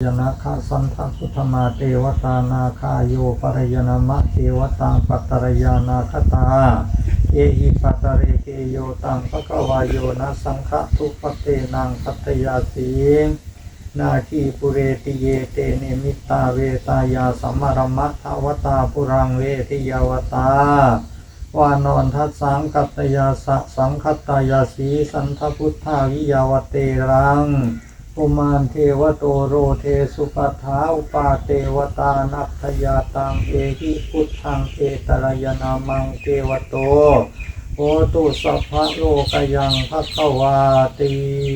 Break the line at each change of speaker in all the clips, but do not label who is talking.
ยนะคาสันทพุทธมาเทวตานาคาโยปรยนามะเทวตังปัตตรยานาคตาเอหิปัตตเรเกโยตังภควายโยนะสังฆทุปเตนังปัตตยาสีนาคีปุเรติเยเตเนมิตาเวตายาสัมมารมัทาวตาปุรังเวทิยาวตาวานอนทัสสังกัตตยาสะสังคัตตายาสีสันทพุทธาวิยาวเตรังอุมานเทวโตโรเทสุปัฏฐาอุปาเทวตานัพพยาตังเอหิพุทธังเอตรยนามังเทวโตโหตุสัพพะโลกยังภัสสวาติ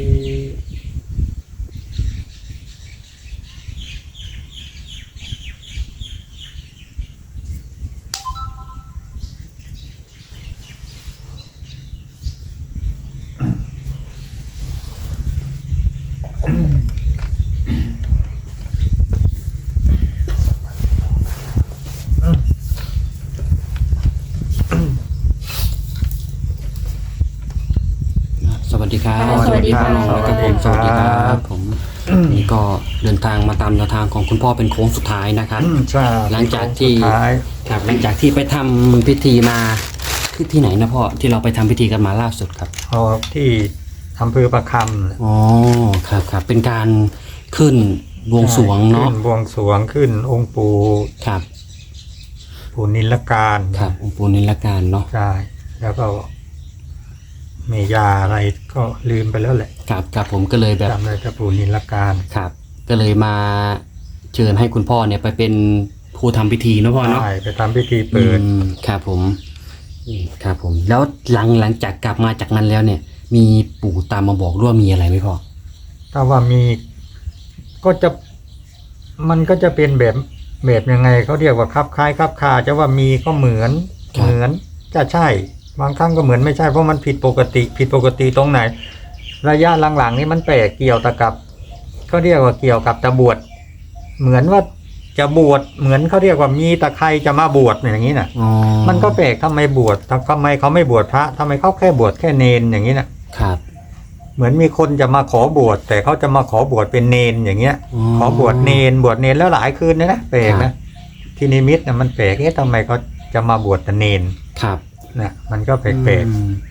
สวัสดีครับ
สวัสดีครับ
พ่อน้องนะครับผมสวัสดีครับผมนี่ก็เดินทางมาตามแนวทางของคุณพ่อเป็นโค้งสุดท้ายนะครับ
ใช่
หลังจากที่
สุดท้าย
ครับหลังจากที่ไปทำพิธีมาที่ไหนนะพ่อที่เราไปทำพิธีกันมาล่าสุดครับ
เอาที่อำเภอประคำ
อ๋อครับเป็นการขึ้นบวงสรวงเนาะ
ขึ้นบวงสรวงขึ้นองค์ปู่
ครับ
ปู่นิลการ
ครับองค์ปู่นิลการเนาะ
ใช่แล้วก็เมยาอะไรก็ลืมไปแล้วแหละ
ครับผมก็เลยแบบ
จำเลยแต่ปู่นิลการ
ครับก็เลยมาเชิญให้คุณพ่อเนี่ยไปเป็นผู้ทำพิธีเนาะพ่อเนาะ
ใช่ไปทำพิธีเปิด
ครับผมครับผมแล้วหลังจากกลับมาจากนั้นแล้วเนี่ย มีปู่ตามมาบอกด้วยมีอะไรไหมพ่อ
ถ้าว่ามีก็จะมันก็จะเป็นแบบยังไงเขาเรียกว่าคับคล้ายคับคาจะว่ามีก็เหมือนจะใช่บางครั้งก็เหมือนไม่ใช่เพราะมันผิดปกติตรงไหน ระยะหลังๆนี่มันแปลกเกี่ยวแต่กับเขาเรียกว่าเกี่ยวกับจะบวชเหมือนว่าจะบวชเหมือนเขาเรียกว่ามีตะใครจะมาบวชอย่างนี้น่ะ
อ๋อ
มันก็แปลกทำไมบวชทำไมเขาไม่บวชพระทำไมเขาแค่บวชแค่เนนอย่างนี้น่ะ
ครับ
เหมือนมีคนจะมาขอบวชแต่เขาจะมาขอบวชเป็นเนนอย่างเงี้ย ขอบวชเนนแล้วหลายคืนนะแปลกนะที่นิมิตนะมันแปลกทำไมเขาจะมาบวชแต่เนน
ครับ
นะมันก็แปลก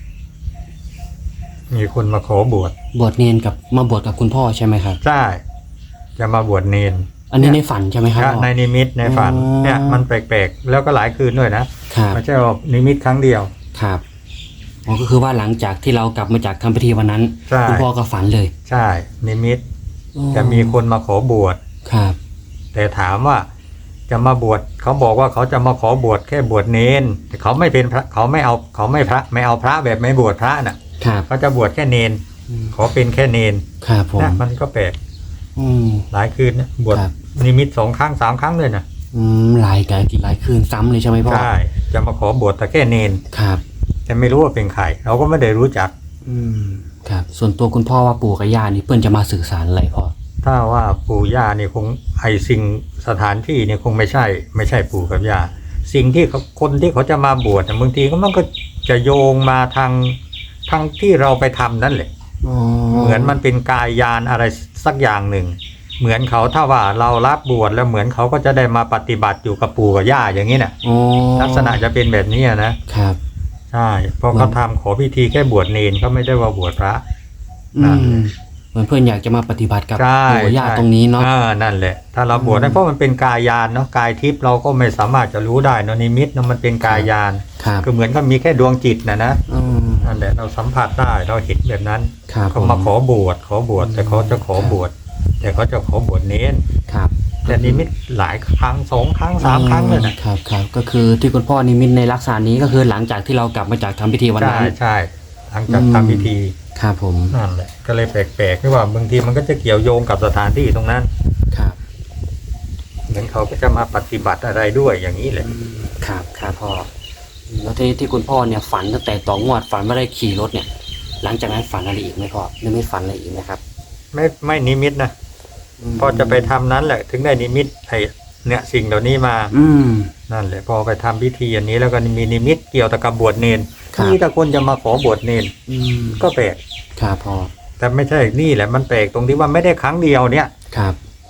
มีคนมาขอบวช
บวชเนนกับมาบวชกับคุณพ่อใช่ไหมครับ
ใช่จะมาบวชเนน
อันนี้ในฝันใช่ไหมครับพ่อ
ในนิมิตในฝัน
อ๋อ
เนี่ยมันแปลกๆแล้วก็หลายคืนด้วยนะครับ ไม่ใช่ว่านิมิตครั้งเดียว
ครับอ๋อก็คือว่าหลังจากที่เรากลับมาจากทำพิธีวันนั้น
ใช่
คุณพ่อก็ฝันเลย
ใช่นิมิตจะมีคนมาขอบวช
ครับ
แต่ถามว่าจะมาบวชเขาบอกว่าเขาจะมาขอบวชแค่บวชเนนแต่เขาไม่เป็นพระเขาไม่เอาไม่เอาพระแบบไม่บวชพระน่ะ
ครับ
เขาจะบวชแค่เนนขอเป็นแค่เนน
ครับผม
นะมันก็แปลก
อืม
หลายคืนนะบวช
ครับ
นิมิต2 ครั้ง 3 ครั้งเลยนะ
หลายคืนซ้ำเลยใช่ไหมพ่อ
ใช่จะมาขอบวชแต่แค่เนน
ครับ
แต่ไม่รู้ว่าเป็นใครเราก็ไม่ได้รู้จัก
ครับ ส่วนตัวคุณพ่อว่าปู่กับย่านี่เพื่อนจะมาสื่อสารอะไรพ่อ
ถ้าว่าปู่ย่านี่คงสิ่งสถานที่นี่คงไม่ใช่ปู่กับย่าสิ่งที่คนที่เขาจะมาบวชบางทีก็มันก็จะโยงมาทางที่เราไปทำนั่นแหละเหมือนมันเป็นกายยานอะไรสักอย่างหนึ่งเหมือนเขาถ้าว่าเรารับบวชแล้วเหมือนเขาก็จะได้มาปฏิบัติอยู่กับปู่กับย่าอย่างนี้น่ะลักษณะจะเป็นแบบนี้นะครับใช่เพราะเขาทำขอพิธีแค่บวชเนนเขาไม่ได้ว่าบวชพระ
เหมือนเพื่อนอยากจะมาปฏิบัติกับ
ใช่
ปู่กับย่าตรงนี้เนาะ
นั่นแหละถ้าเราบวชได้เพราะมันเป็นกายยานเนาะกายทิพย์เราก็ไม่สามารถจะรู้ได้เนาะนิมิตเนาะมันเป็นกายยาน
ครับ
ก็เหมือนกับมีแค่ดวงจิตนะนั่นแหละเราสัมผัสได้เราเห็นแบบนั้น
ครับ
เขามาขอบวชแต่เขาจะขอบวชแต่เขาจะขอบวชเน้น
ครับ
แต่นิมิตหลายครั้ง2 ครั้ง 3 ครั้งเลยนะครับ
ก็คือที่คุณพ่อนิมิตในลักษณะนี้ก็คือหลังจากที่เรากลับมาจากทำพิธีวันนั้น
ใช่หลังจากทำพิธี
ครับผม
นั่นแหละก็เลยแปลกๆที่ว่าบางทีมันก็จะเกี่ยวโยงกับสถานที่ตรงนั้น
ครับ
เหมือนเขาก็จะมาปฏิบัติอะไรด้วยอย่างนี้แหละ
ครับพ่อแล้วที่คุณพ่อเนี่ยฝันตั้งแต่ต่องวดฝันว่าได้ขี่รถเนี่ย หลังจากนั้นฝันอะไรอีกไหมพ่อไม่ฝันอะไรอีกไหมครับ
ไม่นิมิตนะพอจะไปทำนั้นแหละถึงได้นิมิตเนี่ยสิ่งเหล่านี้มานั่นแหละพอไปทำพิธีอันนี้แล้วก็มีนิมิตเกี่ยวกับบวชเนนที่ถ้าคนจะมาขอบวชเนนก็แปลก
ครับพ่อ
แต่ไม่ใช่นี่แหละมันแปลกตรงที่ว่าไม่ได้ครั้งเดียวเนี่ย
ครับ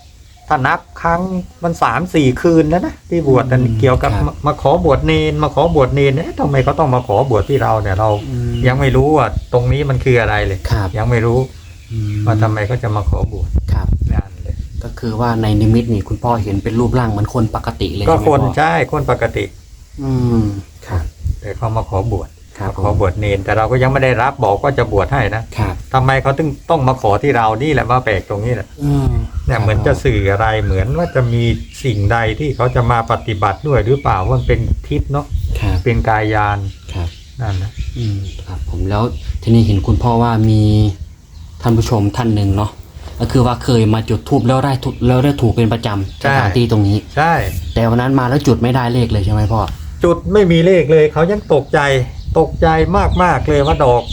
ถ้านับครั้งมัน3-4 คืนแล้วนะที่บวชนั่นเกี่ยวกับมาขอบวชเนนทำไมเขาต้องมาขอบวชที่เราเนี่ยเรายังไม่รู้ว่าตรงนี้มันคืออะไรเลยยังไม่รู้ว่าทำไมเขาจะมาขอบวช
ครับ
นั่นเลย
ก็คือว่าในนิมิตนี่คุณพ่อเห็นเป็นรูปร่างเหมือนคนปกติเลย
ก็คนใช่คนปกติ
ครับ
แต่เขามาขอบวชขอบวชเนนแต่เราก็ยังไม่ได้รับบอกว่าจะบวชให้นะครับทำไมเขาต้องมาขอที่เรานี่แหละว่าแปลกตรงนี้แหละเนี่ยเหมือนจะสื่ออะไรเหมือนว่าจะมีสิ่งใดที่เขาจะมาปฏิบัติด้วยหรือเปล่าว่าเป็นทิพย์เนาะเป็นกายานนั่น
นะครับผมแล้วทีนี้เห็นคุณพ่อว่ามีท่านผู้ชมท่านหนึ่งเนาะก็คือว่าเคยมาจุดธูปแล้วได้ถูกเป็นประจำสถานที่ตรงนี้
ใช่
แต่วันนั้นมาแล้วจุดไม่ได้เลขเลยใช่ไหมพ่อ
จุดไม่มีเลขเลยเขายังตกใจมากเลยว่าดอก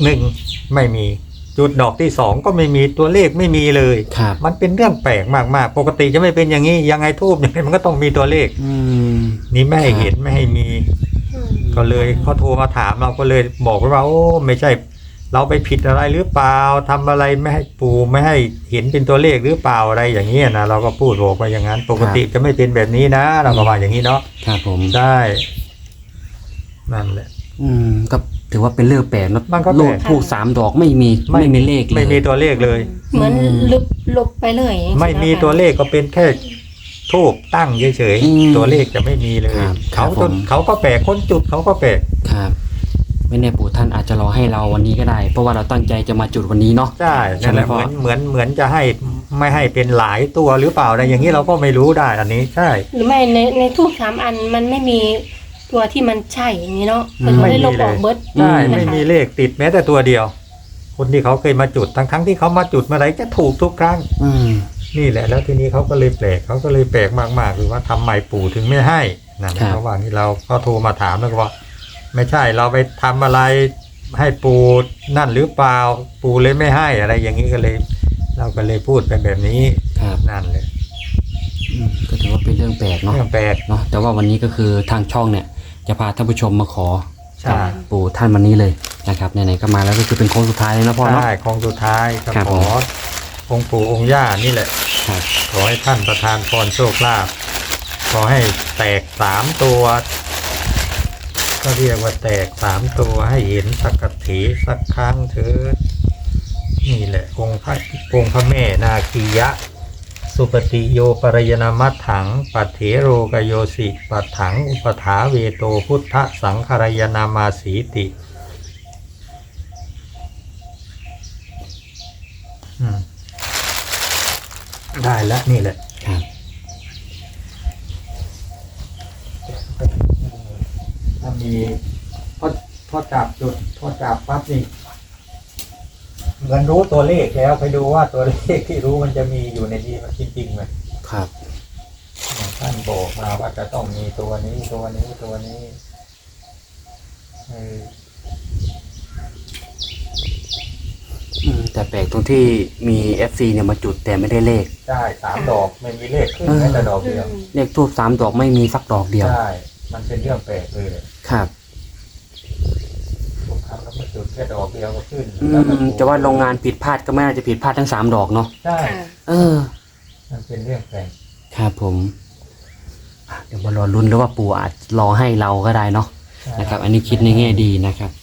1ไม่มีจุดดอกที่2ก็ไม่มีตัวเลขไม่มีเลยมันเป็นเรื่องแปลกมากๆปกติจะไม่เป็นอย่างนี้ยังไงทูบอย่างไรมันก็ต้องมีตัวเลขนี่ไม่ให้เห็นไม่ให้มีก็เลยเขาโทรมาถามเราก็เลยบอกว่าโอ้ไม่ใช่เราไปผิดอะไรหรือเปล่าทำอะไรไม่ให้ปู่ไม่ให้เห็นเป็นตัวเลขหรือเปล่าอะไรอย่างนี้นะเราก็พูดบอกไปอย่างนั้นปกติจะไม่เป็นแบบนี้นะเราก็ว่าอย่างนี้เนาะ
ครับผม
ใช่นั่นแหละ
ก็ถือว่าเป็นเรื่องแปลกนะ
มันก็
ลูกทูบ3 ดอกไม่มีเลขเลย
ไม่มีตัวเลขเลย
เหมือนลบไปเลย
ไม่มีตัวเลขก็เป็นแค่ทูบตั้งเฉยๆตัวเลขจะไม่มีเลยเขาก็แปลกคนจุดเขาก็แปลก
ครับไม่แน่ปู่ท่านอาจจะรอให้เราวันนี้ก็ได้เพราะว่าเราตั้งใจจะมาจุดวันนี้เนาะ
ใช่นั่นแหละเหมือนจะให้ไม่ให้เป็นหลายตัวหรือเปล่าอะไรอย่างนี้เราก็ไม่รู้ได้อันนี้ใช่
หรือไม่ในทูบ3 อันมันไม่มีตัวที่มันใช่อย่างนี้เนาะมันไม่ได้ลบออกเบิร์ด
ใช่ไม่มีเลขติดแม้แต่ตัวเดียวคนที่เขาเคยมาจุดทั้งที่เขามาจุดเมื่อไหร่จะถูกทุกครั้งนี่แหละแล้วทีนี้เขาก็เลยแปลกมากๆคือว่าทำไมปู่ถึงไม่ให้นั่นระหว่างที่เราก็โทรมาถามแล้วก็ว่าไม่ใช่เราไปทำอะไรให้ปู่นั่นหรือเปล่าปู่เลยไม่ให้อะไรอย่างนี้ก็เลยเราก็เลยพูดไปแบบนี้นั่นเลย
ก็ถือว่าเป็นเรื่องแปลกเนาะเนาะแต่ว่าวันนี้ก็คือทางช่องเนี่ยจะพาท่านผู้ชมมาขอปู่ท่านวันนี้เลยนะครับไหนๆก็มาแล้วก็คือเป็นโค้งสุดท้ายเลยนะพ่อเนาะ
ใช่โค้งสุดท้ายขอองค์ปู่องค์ย่านี่แหละขอให้ท่านประทานพรโชคลาภขอให้แตก3 ตัวก็เรียกว่าแตก3 ตัวให้เห็นสักกะถีสักครั้งเถิดนี่แหละองค์พระแม่นาคียะสุปฏิโยปรยนามัตถังปัฏเถโรกโยสิปัฏถังอุปถาเวโตพุทธสังฆรายนามาสีติได้แล้วนี่แหละถ้ามีพอจับจุดพอจับปั๊บนี่เหมือนรู้ตัวเลขแล้วไปดูว่าตัวเลขที่รู้มันจะมีอยู่ในนี้มันจริงๆไหม
ครับ
ท่านบอกมาว่าจะต้องมีตัวนี้
แต่แปลกตรงที่มี FC เนี่ยมาจุดแต่ไม่ได้เลข
ใช่3 ดอกไม่มีเลขขึ้นแม้แต่ดอกเดียว
เลขทูบ3 ดอกไม่มีสักดอกเดียว
ใช่มันเป็นเรื่องแปลกเลย
ครับ
แล้วมาจุดแค่ดอกเดียวก็ขึ้น
จะว่าโรงงานผิดพลาดก็ไม่น่าจะผิดพลาดทั้ง3 ดอกเนาะ
ใช่มันเป็นเรื่องแปลก
ครับผมเดี๋ยวมารอลุ้นแล้วว่าปู่อาจรอให้เราก็ได้เนาะนะครับอันนี้คิดในแง่ดีนะครับ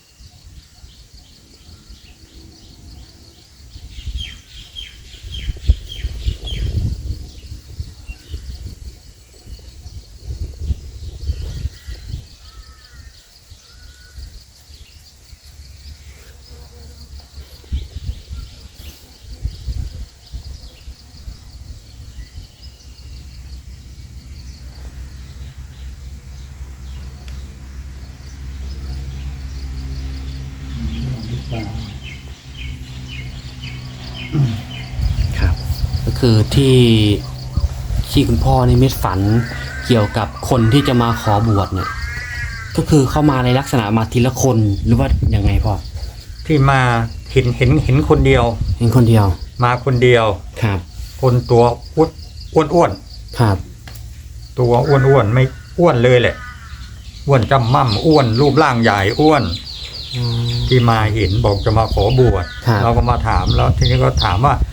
ครับก็คือที่คุณพ่อนิมิตฝันเกี่ยวกับคนที่จะมาขอบวชเนี่ยก็คือเข้ามาในลักษณะมาทีละคนหรือว่ายังไงพ่อ
ที่มาเห็นคนเดียวมาคนเดียว
ครับ
คนตัวอ้วน
ครับ
ตัวอ้วนไม่อ้วนเลยแหละอ้วนจำม่ำอ้วนรูปร่างใหญ่อ้วนที่มาเห็นบอกจะมาขอบวชเราก็มาถามแล้วทีนี้ก็ถามว่า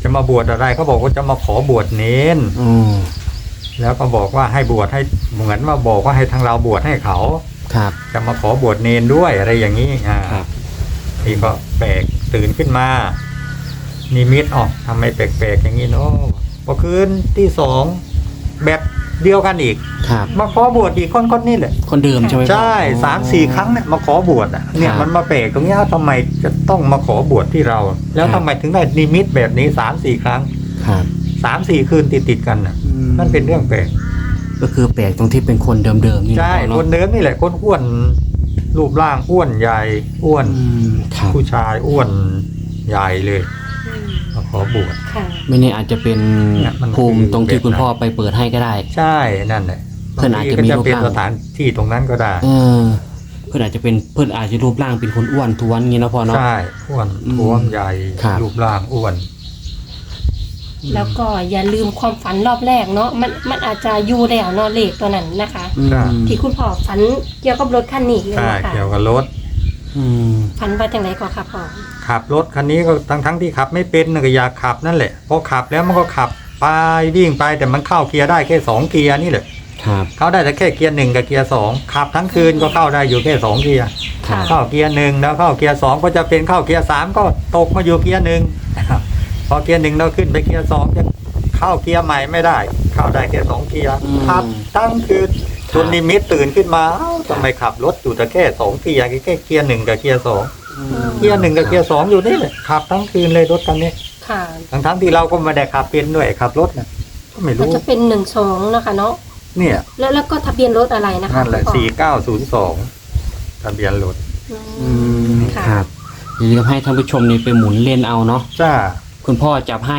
จะมาบวชอะไรเขาบอกว่าจะมาขอบวชเนน
อืม
แล้วก็บอกว่าให้บวชให้เหมือนมาบอกว่าให้ทางเราบวชให้เขา
ครับ
จะมาขอบวชเนนด้วยอะไรอย่างนี้
ครับ
นี่ก็แปลกตื่นขึ้นมานิมิตทำไมแปลกๆอย่างนี้เนาะพอคืนที่สองแบบเดียวกันอีก
ครับ
มาขอบวชอีกคนนี่แหละ
คนเดิมใช่ไหมพ่อ
ใช่3-4 ครั้งเนี่ยมาขอบวชเนี่ย
ครับ
มันมาแปลกตรงนี้ทำไมจะต้องมาขอบวชที่เรา แล้ว
ครั
ทำ
บ
ไมถึงได้นิมิตแบบนี้3-4 ครั้ง
ครับ
3-4 คืนติดกันน่ะ
อืม
นั่นเป็นเรื่องแปลก
ก็คือแปลกตรงที่เป็นคนเดิมๆนี่นะ
ใช่
พ่อ
ค
เนาะ
นเดิมนี่แหละคนอ้วนรูปร่างอ้วนใหญ่อ้วน
อืมครับ
ผู้ชายอ้วนใหญ่เลย
อืม
มาขอบวช
ค่ะ
ไม่แน่อาจจะเป็น
เนี่ยมัน
ภูมิตรงที่
คือ
คุณพ่อไปเปิดให้ก็ได้
ใช่นั่นแหละ
เพื่อนอาจจะมี
บงทีก็
รูป
เป็น
ร่าง
สถานที่ตรงนั้นก็ได้
เออเพื่อนอาจจะรูปร่างเป็นคนอ้วนท้วนงี้นะพ่อเนาะ
ใช่อ้วน
อืม
ท้วมใหญ่
ครับ
รูปร่างอ้วน
แล้วก็อย่าลืมความฝันรอบแรกเนาะมันอาจจะอยู่แล้วเนาะเลขตัวนั้นนะคะ
อืม
ที่คุณพ่อฝันเกี่ยวกับรถคันนี้เลย
ใช่
นะคะ
เกี่ยวกับรถ
อืม
ฝันว่าจังไรก่อนค่ะพ่อ
ขับรถคันนี้ก็ทั้งที่ขับไม่เป็นน่ะก็อยากขับนั่นแหละพอขับแล้วมันก็ขับไปวิ่งไปแต่มันเข้าเกียร์ได้แค่2 เกียร์นี่แหละ
ครับ
เข้าได้แต่แค่เกียร์1กับเกียร์2ขับทั้งคืนก็เข้าได้อยู่แค่2 เกียร์
ครับ
เข้าเกียร์1แล้วเข้าเกียร์2ก็จะเป็นเข้าเกียร์3ก็ตกมาอยู่เกียร์1 พอเกียร์1เราขึ้นไปเกียร์2จะเข้าเกียร์ใหม่ไม่ได้ เข้าได้แค่2 เกียร์ขับทั้งคืนจนนิมิตตื่นขึ้นมาเอ้าทำไมขับรถอยู่แต่แค่2 เกียร์แค่เกียร์1กับเกียร์2
อืม
เกียร์1กับเกียร์2อยู่นี่แหละขับทั้งคืนเลยรถคันนี้
ค่ะ
ทั้งที่เราก็ไม่ได้ขับเป็นด้วยขับรถนะก็ไม่
ก็
รู้
จะเป็น12นะคะเนาะ
เนี่ย
แล้วก็ทะเบียนรถอะไรนะคะ
นั่นแหละ
คุณพ่อ
4902ทะเบียนรถ
อื
อื
ม
ม
ค่ะ
ครับอย่าลืมให้ท่านผู้ชมนี่ไปหมุนเล่นเอาเนาะ
จ้า
คุณพ่อจับให้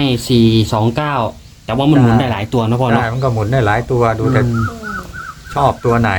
429แต่ว่ามันหมุนได้หลายตัวนะพ่อ
ได้
เนาะ
มันก็หมุนได้หลายตัวดูแต่
อืม
ชอบตัวไหน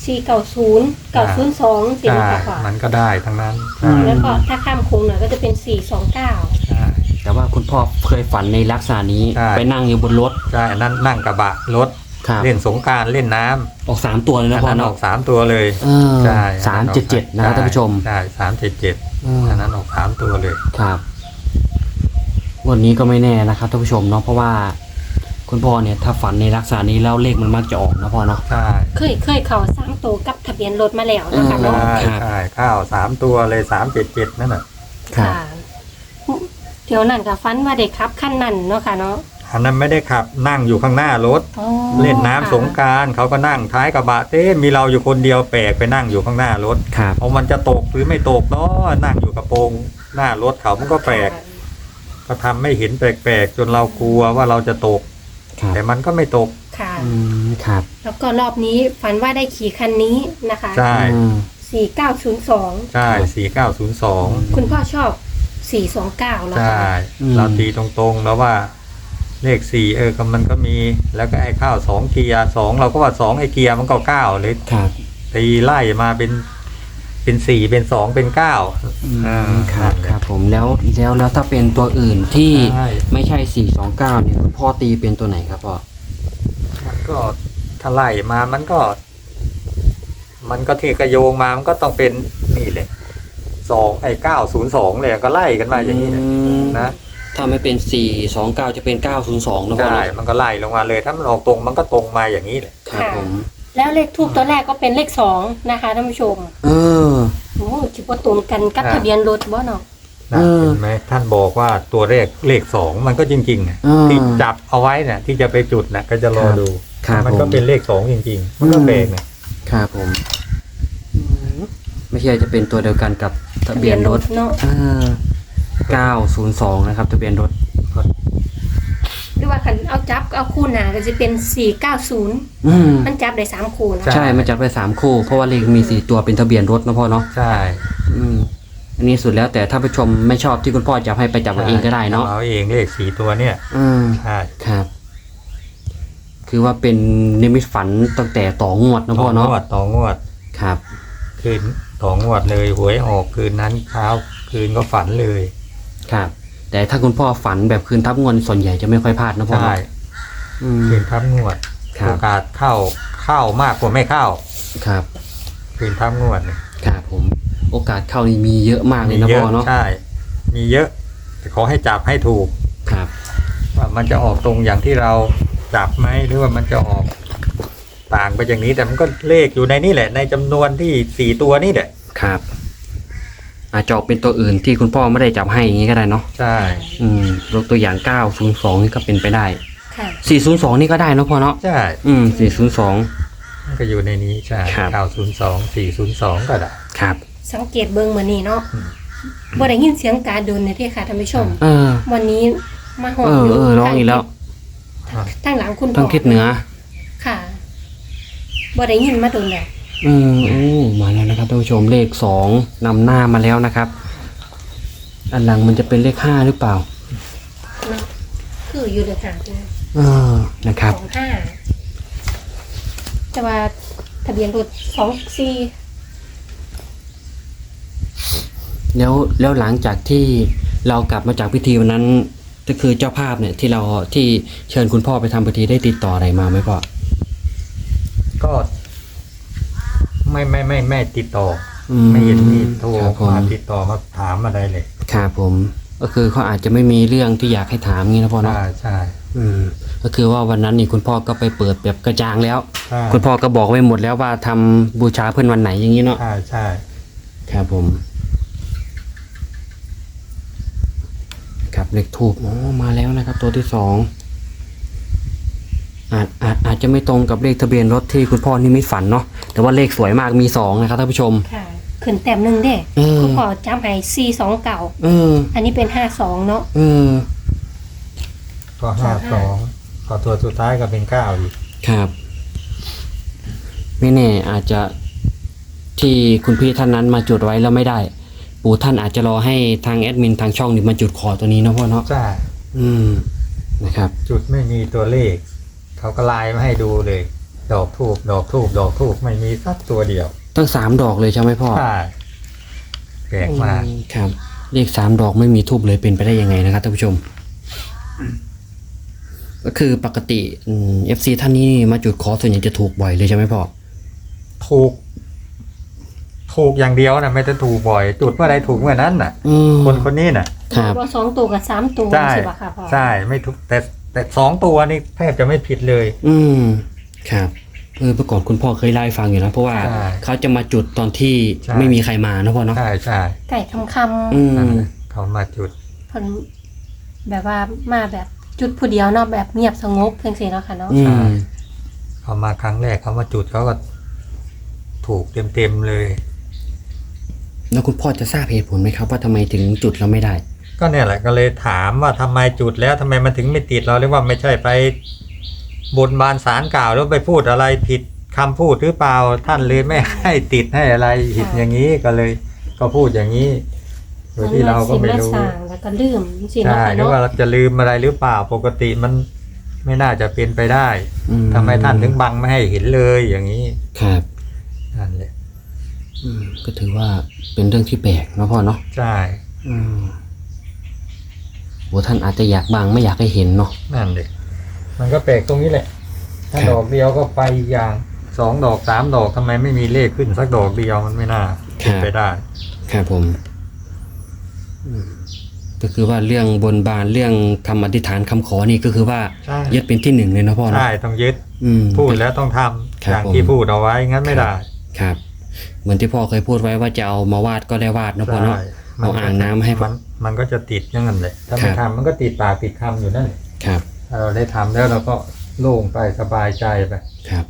490 902สิ
ใช่
นะคะพ่อ
มันก็ได้ทั้งนั้น
อืม
แล้วก็ถ้าข้ามโค้งหน่อยก็จะเป็น429
ใช่
แต่ว่าคุณพ่อเคยฝันในลักษณะนี้
ใช่
ไปนั่งอยู่บนรถ
ใช่อันนั้นนั่งกระบะรถ
ครับ
เล่นสงกรานต์เล่นน้ำ
ออก3ตัวเลย
อั
นะ
น
พ่อ
นั้นอ
เนาะ
อก3 ตัวเลย
เออ
ใช่
377นะครับท่านผู้ชม
ใช่377
อืม
อันนั้นออก3 ตัวเลย
ครับวันนี้ก็ไม่แน่นะครับท่านผู้ชมเนาะเพราะว่าคุณพ่อเนี่ยถ้าฝันในลักษณะนี้แล้วเลขมันมักจะออกนะพ่อเนาะ
ใช่
เคยเข้า3ตัวกับทะเบียนรถมาแล้วนะคะ
อื
เนาะ
ม
ใช่ใช่ข้าว3 ตัวเลย377นั่นน่ะ
ครับ
ค่ะเดี๋ยวนั่นกับฟันว่าเด็กครับขั้นนั่นเนาะค่ะเนาะ
อันนั้นไม่ได้ขับนั่งอยู่ข้างหน้ารถ
อ๋อ
เล่นน้ำ
ค่ะ
สงกรารเขาก็นั่งท้ายกระบะเต้มีเราอยู่คนเดียวแปลกไปนั่งอยู่ข้างหน้ารถ
ครับ
พอมันจะตกหรือไม่ตกเนาะนั่งอยู่กระโปรงหน้ารถเขามันก็แปลกก็ทำไม่เห็นแปลกๆจนเรากลัวว่าเราจะตก
ครับ
แต่มันก็ไม่ตก
ค่ะ
อืมครับ
แล้วก็รอบนี้ฝันว่าได้ขี่คันนี้นะคะ
ใช่
อืม
4902
ใช่4902
คุณพ่อชอบ429แล้ว
ใช่
ค่ะ
เราตีตรงๆแล้วว่าเลข4ก็มันก็มีแล้วก็ไอ้ข้าว2 เกียร์2เราก็ว่า2ไอ้เกียร์มันก็9เลย
ครับ
ตีไล่มาเป็น4เป็น2เป็น9
อืมครับครับผมแล้วถ้าเป็นตัวอื่นที่
ใช่
ไม่ใช่429เนี่ยคุณพ่อตีเป็นตัวไหนครับพ่อ
มันก็ถ้าไล่มามันก็ที่กระโยงมามันก็ต้องเป็นนี่เลย2ไอ้902เลยก็ไล่กันมาอย่างนี้นะนะ
ถ้าไม่เป็น429จะเป็น902นะพ่อ
ใช่
เนาะ
มันก็ไล่ลงมาเลยถ้ามันออกตรงมันก็ตรงมาอย่างนี้เลย
ครับผม
แล้วเลขทูบตัวแรกก็เป็นเลข2นะคะท่านผู้ชม
เออ
โอ้คิดว่าตรงกันกับทะเบียนรถบ่เนาะ
นะ
เออ
เห็นไหมท่านบอกว่าตัวเลข2มันก็จริงๆนะ
เออ
ที่จับเอาไว้เนี่ยที่จะไปจุดนะก็จะรอดู
ครับ
มันก็
ผม
เป็นเลข2จริงๆมันก็แปลกนะครับ
ผมไม่ใช่จะเป็นตัวเดียวกันกับทะเบียนรถ
เนาะ
902นะครับทะเบียนรถ
หรือว่าคันเอาจับเอาคู่หน้าก็จะเป็น490
อืม
มันจับได้3คู่นะ
ใช่มันจัดไป3คู่เพราะว่าเลขมี4ตัวเป็นทะเบียนรถนะพ่อเนาะ
ใช่
อืมอันนี้สุดแล้วแต่ถ้าผู้ชมไม่ชอบที่คุณพ่อจับให้ไปจับเอาเองก็ได้เนาะ
เอาเองเลข4ตัวเนี่ย
อืม
ใช่
ครับ คือว่าเป็นนิมิตฝันตั้งแต่ต่องวดนะพ่อเนาะ
ต่องวด
ครับ
คืนต่องวดเลยหวยออกคืนนั้นเช้าคืนก็ฝันเลย
ครับ แต่ถ้าคุณพ่อฝันแบบคืนทับงวดส่วนใหญ่จะไม่ค่อยพลาดนะพ่อ
ใช่
เนาะอืม
คืนทับงวด
ครับ
โอกาสเข้ามากกว่าไม่เข้า
ครับ
คืนทับงวดเนี่ย
ครับผม โอกาสเข้านี่มีเยอะมากเลยนะ
เย
พ่อ
อะ
เนาะ
ใช่ มีเยอะแต่ขอให้จับให้ถูก
ครับ
มันจะออกตรงอย่างที่เราจับไหมหรือว่ามันจะออกต่างไปอย่างนี้แต่มันก็เลขอยู่ในนี่แหละในจำนวนที่4ตัวนี่แหละ
ครับ อาจจะออกเป็นตัวอื่นที่คุณพ่อไม่ได้จับให้อย่างนี้ก็ได้เนาะ
ใช่
ยกตัวอย่าง902นี่ก็เป็นไปได้
ค่ะ
402นี่ก็ได้เนาะพ่อเนาะ
ใช่
402
มันก็อยู่ในนี้ใช่
ครับ
902 402ก็ได้
ครับ
สังเกตเบิ่งมื้อนี้เนาะบ่ได้ยินเสียงกาดนในที่ค่ะท่านผู้ชม วันนี้มาหอดอยู่
ร้องอีกแล้ว
ทางหลังคุณพ่อ
ต้องทิศเหนือ
ค่ะบ่ได้ยินมาโดนแล้ว
มาแล้วนะครับท่านผู้ชมเลข2นำหน้ามาแล้วนะครับ อันหลังมันจะเป็นเลข5หรือเปล่า
เนาะคืออยู่ในทางที่
นะครับ
25แต่ว่าทะเบียนรถ24
แล้วหลังจากที่เรากลับมาจากพิธีวันนั้นก็คือเจ้าภาพเนี่ยที่เชิญคุณพ่อไปทำพิธีได้ติดต่ออะไรมาไหมพ่อ
ก็ไม่ติดต่อไม่เห็นมีโทร
ครับผม
มาติดต่อมาถามอะไรเลย
ครับผมก็คือเขาอาจจะไม่มีเรื่องที่อยากให้ถามงี้นะพ่อเนาะ
ใช่
ก็คือว่าวันนั้นนี่คุณพ่อก็ไปเปิดแบบกระจ่างแล้ว
ใช่
คุณพ่อก็บอกไว้หมดแล้วว่าทำบูชาเพื่อนวันไหนอย่างนี้เนาะ
ใช่
ครับผมครับเลขทูบมาแล้วนะครับ ตัวที่2อาจจะไม่ตรงกับเลขทะเบียนรถที่คุณพ่อนี่ไม่ฝันเนาะแต่ว่าเลขสวยมากมี2นะครับท่านผู้ชม
ค่ะขึ้นแต้มหนึงเด้คุณพ่อจำให้429อันนี้เป็น52เนาะ
ก็52ก็ตัวสุดท้ายก็เป็น9อีก
ครับไม่แน่อาจจะที่คุณพี่ท่านนั้นมาจุดไว้แล้วไม่ได้ ปู่ท่านอาจจะรอให้ทางแอดมินทางช่องนี่มาจุดขอตัวนี้นะพ่อเนาะ
ใช่
นะครับ
จุดไม่มีตัวเลขเขาก็ไลน์มาให้ดูเลย ดอกทูบไม่มีสักตัวเดียว
ตั้ง3 ดอกเลยใช่ไหมพ่อ
ใช่แปลกมาก
ครับเลข3 ดอกไม่มีทูบเลยเป็นไปได้ยังไงนะครับท่านผู้ชม ก็คือปกติFC ท่านนี้มาจุดขอส่วนใหญ่จะถูกบ่อยเลยใช่ไหมพ่อ
ถูกอย่างเดียวนะไม่ได้ถูกบ่อย จุดเมื่อใดถูกเมื่อนั้นน่ะ คนนี้น่ะ
ครับ
ว่า2ตัวกับ3ตัว
ใช่
ใช่ป่ะค่ะพ่อ
ใช่ไม่ถูกแต่2ตัวนี่แทบจะไม่ผิดเลย
ครับเมื่อก่อนคุณพ่อเคยเล่าให้ฟังอยู่นะเพราะว่า
ใช่
เขาจะมาจุดตอนที่
ใช่
ไม่มีใครมานะพ่อเนาะ
ใช่
ไก่คำ
นั่นแหละเขามาจุด
เพิ่นแบบว่ามาแบบจุดผู้เดียวเนาะแบบเงียบสงบจังซี่เนาะค่ะเนาะ
อืม
เขามาครั้งแรกเขามาจุดเขาก็ถูกเต็มเลย
แล้วคุณพ่อจะทราบเหตุผลไหมครับว่าทำไมถึงจุดเราไม่ได้
ก็เนี่ยแหละก็เลยถามว่าทำไมจุดแล้วทำไมมันถึงไม่ติดเราเรียกว่าไม่ใช่ไปบนบานสารกล่าวแล้วไปพูดอะไรผิดคำพูดหรือเปล่าท่านเลยไม่ให้ติดให้อะไรผิดอย่างนี้ก็เลยก็พูดอย่างนี้โดยที่เราก็ไม่รู้
สร้างแล้วก็ลืมสิเนาะ
ใช่
ค่ะ
หรือ
เนาะ
ว่าเราจะลืมอะไรหรือเปล่าปกติมันไม่น่าจะเป็นไปได้ทำไมท่านถึงบังไม่ให้เห็นเลยอย่างนี้
ครับ
นั่นแหละ
ก็ถือว่าเป็นเรื่องที่แปลกเนาะพ่อเนาะ
ใช่
โหท่านอาจจะอยากบังไม่อยากให้เห็นเนาะ
นั่นเด็กมันก็แปลกตรงนี้แหละถ้า
ครับ
ดอกเดียวก็ไปอีกอย่าง2 ดอก 3 ดอกทำไมไม่มีเลขขึ้นสักดอกเดียวมันไม่น่าเป็นไปได้
ครับผมก็คือว่าเรื่องบนบานเรื่องคำอธิษฐานคำขอนี่ก็คือว่า
ใช่
ยึดเป็นที่1เลยนะพ่อเนาะ
ใช่ต้องยึด พูดแล้วต้องทำ
ครับ
อย่างที่พูดเอาไว้งั้นไม่ได้
ครับ เหมือนที่พ่อเคยพูดไว้ว่าจะเอามาวาดก็ได้วาดนะพ่อเนาะ
ใช่
เอาอ่างน้ำให้
มันก็จะติดอย่างนั้นแหละถ้าไม่
ครับ
ทำมันก็ติดปากติดคำอยู่นั่นแหละ
ครับ
ถ้าเราได้ทำแล้วเราก็โล่งไปสบายใจไป
ครับ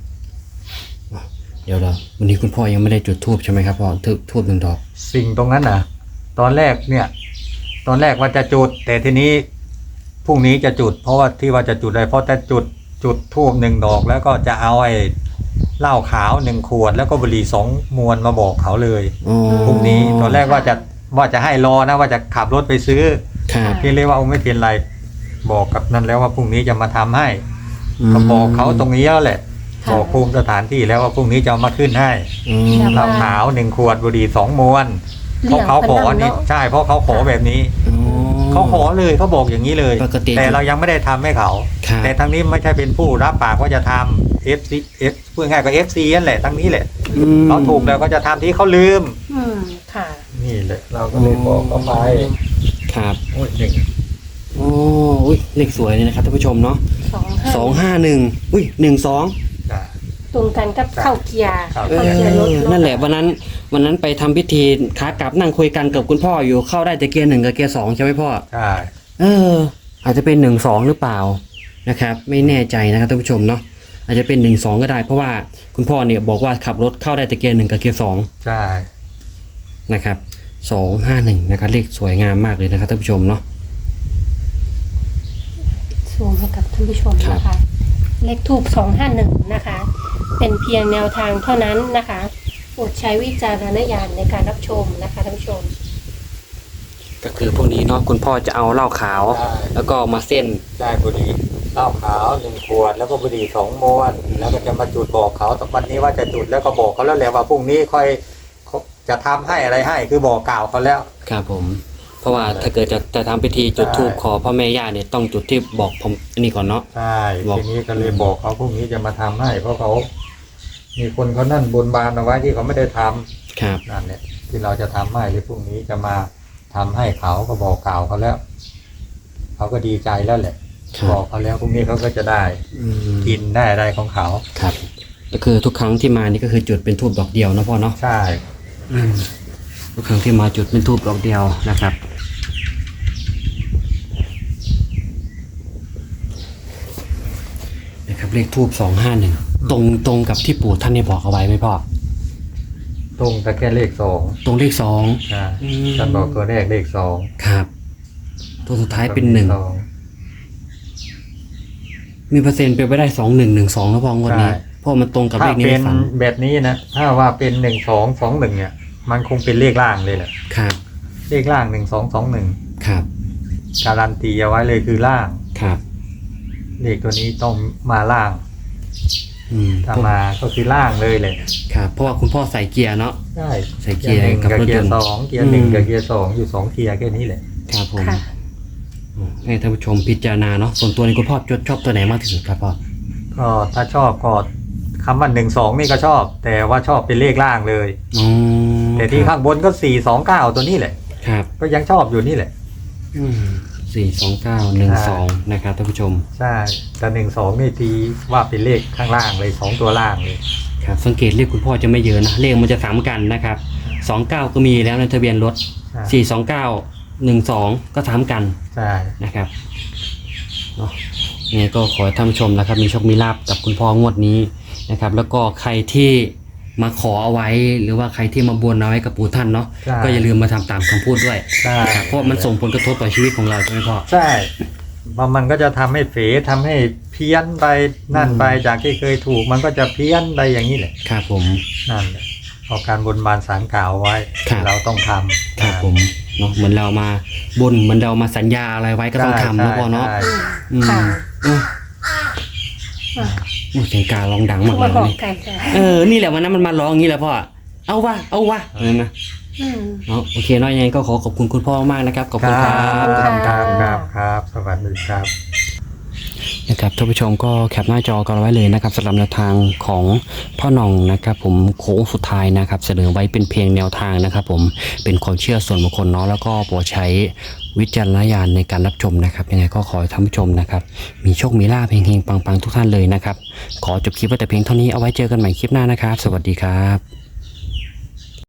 เดี๋ยววันนี้คุณพ่อยังไม่ได้จุดธูปใช่ไหมครับพ่อธูป1 ดอก
สิ่งตรงนั้นน่ะ ตอนแรกว่าจะจุด แต่ทีนี้พรุ่งนี้จะจุด เพราะว่าที่ว่าจะจุดเลยเพราะจะจุดธูป1 ดอก แล้วก็จะเอาไอ้เหล้าขาว1 ขวด แล้วก็บุหรี่2 มวนมาบอกเขาเลยพรุ่งนี้ตอนแรกว่าจะให้รอนะว่าจะขับรถไปซื้อ
ครับ
พี่เรียกว่าไม่เป็นไรบอกกับนั่นแล้วว่าพรุ่งนี้จะมาทำให้ก็บอกเขาตรงนี้แล้วแหละบอกภูมิสถานที่แล้วว่าพรุ่งนี้จะเอามาขึ้นให้เหล้าขาว1 ขวดบุหรี่2 มวนเพราะเขาขอนี่ใช่เพราะเขาขอแบบนี้เขาขอเลยเขาบอกอย่างนี้เลย
ปกติ
แต่เรายังไม่ได้ทำให้เขา
ครับ
แต่ทั้งนี้ไม่ใช่เป็นผู้รับปากว่าจะทำ F พูดง่ายก็ FC นั่นแหละทั้งนี้แหละเขาถูกแล้วก็จะทำที่เขาลืม
ค่ะ
นี่แหละเราก็เลยบอกเขาไป
ครับ
โอ้ยหนึ่ง
โอ้อ้อุ้ยเลขสวยเลยนะครับท่านผู้ชมเนาะ 251อุ้ย12
จ้ะ
ตรงกันกับเข้าเกียร์
ครับ
เข้าเกียร์รถเา
นั่นแหละวันนั้นไปทำพิธีขากลับนั่งคุยกันกับคุณพ่ออยู่เข้าได้แต่เกียร์1กับเกียร์2ใช่ไหมพ่อ
ใช่
อาจจะเป็น12หรือเปล่านะครับไม่แน่ใจนะครับท่านผู้ชมเนาะอาจจะเป็น12ก็ได้เพราะว่าคุณพ่อเนี่ยบอกว่าขับรถเข้าได้แต่เกียร์1กับเกียร์2
ใช่
นะครับ251นะครับเลขสวยงามมากเลยนะครับท่านผู้ชมเนาะ
ซูมให้กับท่านผู้ชมนะคะ เลขทูบ251นะคะ เป็นเพียงแนวทางเท่านั้นนะคะโปรดใช้วิจารณญาณในการรับชมนะคะท่านผู้ชม
ก็คือพวกนี้เนาะคุณพ่อจะเอาเหล้าขาว แล้วก็มาเส้น
ได้บุหรี่เหล้าขาว1 ขวดแล้วก็บุหรี่2 มวนแล้วก็จะมาจุดบอกเขาตอนวันนี้ว่าจะจุดแล้วก็บอกเขาแล้วแหละว่าพรุ่งนี้ค่อยจะทำให้อะไรให้คือบอกกล่าวเขาแล้ว
ครับผม เพราะว่าถ้าเกิดจะทำพิธีจุดธูปขอพ่อแม่ย่าเนี่ยต้องจุดที่บอกผมอันนี้ก่อนเนาะ
ใช่
บอก
ทีนี้ก็เลยบอกเขาพรุ่งนี้จะมาทำให้ เพราะเขา มีคนเขานั่นบนบานเอาไว้ที่เขาไม่ได้ทำ
ครับ
นั่นแหละที่เราจะทำให้หรือพรุ่งนี้จะมาทำให้เขาก็บอกกล่าวเขาแล้วเขาก็ดีใจแล้วแหละ
ครับ
บอกเขาแล้วพรุ่งนี้เขาก็จะได้
อืม
กินได้อะไรของเขา
ครับก็คือทุกครั้งที่มานี่ก็คือจุดเป็นธูปดอกเดียวนะพ่อเนาะ
ใช่
ทุกครั้งที่มาจุดเป็นธูปดอกเดียวนะครับนะครับเลขธูป251ตรงกับที่ปู่ท่านได้บอกเอาไว้ไหมพ่อ
ตรงแต่แค่เลข2
ตรงเลข2
ใช่
อืม
ท่านบอกตัวแรกเลข2
ครับ ตัวสุดท้ายเป็น
2
1มีเปอร์เซ็นต์เป็นไปได้2112แล้วพองวดนี้
ใช่
เพราะมันตรงกับเล
ถ้า
ขนี้
เป็
ใน
น
ฝัน
แบบนี้นะถ้าว่าเป็น1221เนี่ย มันคงเป็นเลขล่างเลยแหละ
ครับ
เลขล่าง1221
ครับ
การันตีเอาไว้เลยคือล่าง
ครับ
เลขตัวนี้ต้องมาล่าง ถ้ามาก็คือล่างเลยเลย
ครับเพราะว่าคุณพ่อใส่เกียร์เนาะ
ใช่
ใส่เกียร์
หนึ่ง
กับ
กับ
รถ
เกี
ย
ย
นต์
ร์2เกียร์1กับเกียร์2อยู่2เกียร์แค่นี้แหละ
ครับผม
ค่ะ
ให้ท่านผู้ชมพิจารณาเนาะส่วนตัวนี้คุณพ่อชอบตัวไหนมากที่สุดครับพ่อ
ก็ถ้าชอบก็คำว่า12นี่ก็ชอบ แต่ว่าชอบเป็นเลขล่างเลย
อ๋อ
แต่ที่ข้างบนก็429ตัวนี้แหละ
ครับ
ก็ยังชอบอยู่นี่แหละ
42912นะครับท่านผู้ชม
ใช่แต่12นี่ทีว่าเป็นเลขข้างล่างเลย2ตัวล่างเลย
ครับสังเกตเลขคุณพ่อจะไม่เยอะนะเลขมันจะซ้ำกันนะครับ29ก็มีแล้วในทะเบียนรถ
ใช่
42912ก็ซ้ำกัน
ใช่
นะครับเนาะยังไงก็ขอให้ท่านผู้ชมนะครับมีโชคมีลาภกับคุณพ่องวดนี้นะครับ แล้วก็ใครที่มาขอเอาไว้หรือว่าใครที่มาบนเอาไว้กับปู่ท่านเนาะ
ใช่
ก็อย่าลืมมาทำตามคำพูดด้วย
ใช่
นะครับเพราะมันส่งผลกระทบต่อชีวิตของเราใช่ไหมพ่อ
ใช่เพราะมันก็จะทำให้เฟทำให้เพี้ยนไปนั่นไปจากที่เคยถูกมันก็จะเพี้ยนไปอย่างนี้แหละ
ครับผม
นั่นแหละเพอการบนบานสารกล่าวไว้
ครับ
เราต้องทำ
ครับผมเนาะเหมือนเรามาบนเหมือนเรามาสัญญาอะไรไว้ก็ต้องทำนะพ่อเนาะ
ใช่
อืม
ค่ะ
อืม
อ่ะ
โอ้เสียงการ้องดังมากเล
มาย บอก
นี่
ไก่จ้ะ
นี่แหละวันนั้นมันมาร้องอย่างนี้แหละพ่อเอาวะนั่นนะ
อืม
เนาะโอเคเนาะยังไงก็ขอบคุณคุณพ่อมากนะครับขอบคุณครับ
ครับสวัสดีครับ
นะครับท่านผู้ชมก็แคปหน้าจอกันไว้เลยนะครับสำหรับแนวทางของพ่อหน่องนะครับผมโค้งสุดท้ายนะครับเสนอไว้เป็นเพียงแนวทางนะครับผมเป็นความเชื่อส่วนบุคคลเนาะแล้วก็โปรดใช้วิจารณญาณในการรับชมนะครับยังไงก็ขอให้ท่านผู้ชมนะครับมีโชคมีลาภเฮงๆปังๆทุกท่านเลยนะครับขอจบคลิปไว้แต่เพียงเท่านี้เอาไว้เจอกันใหม่คลิปหน้านะครับสวัสดีครับ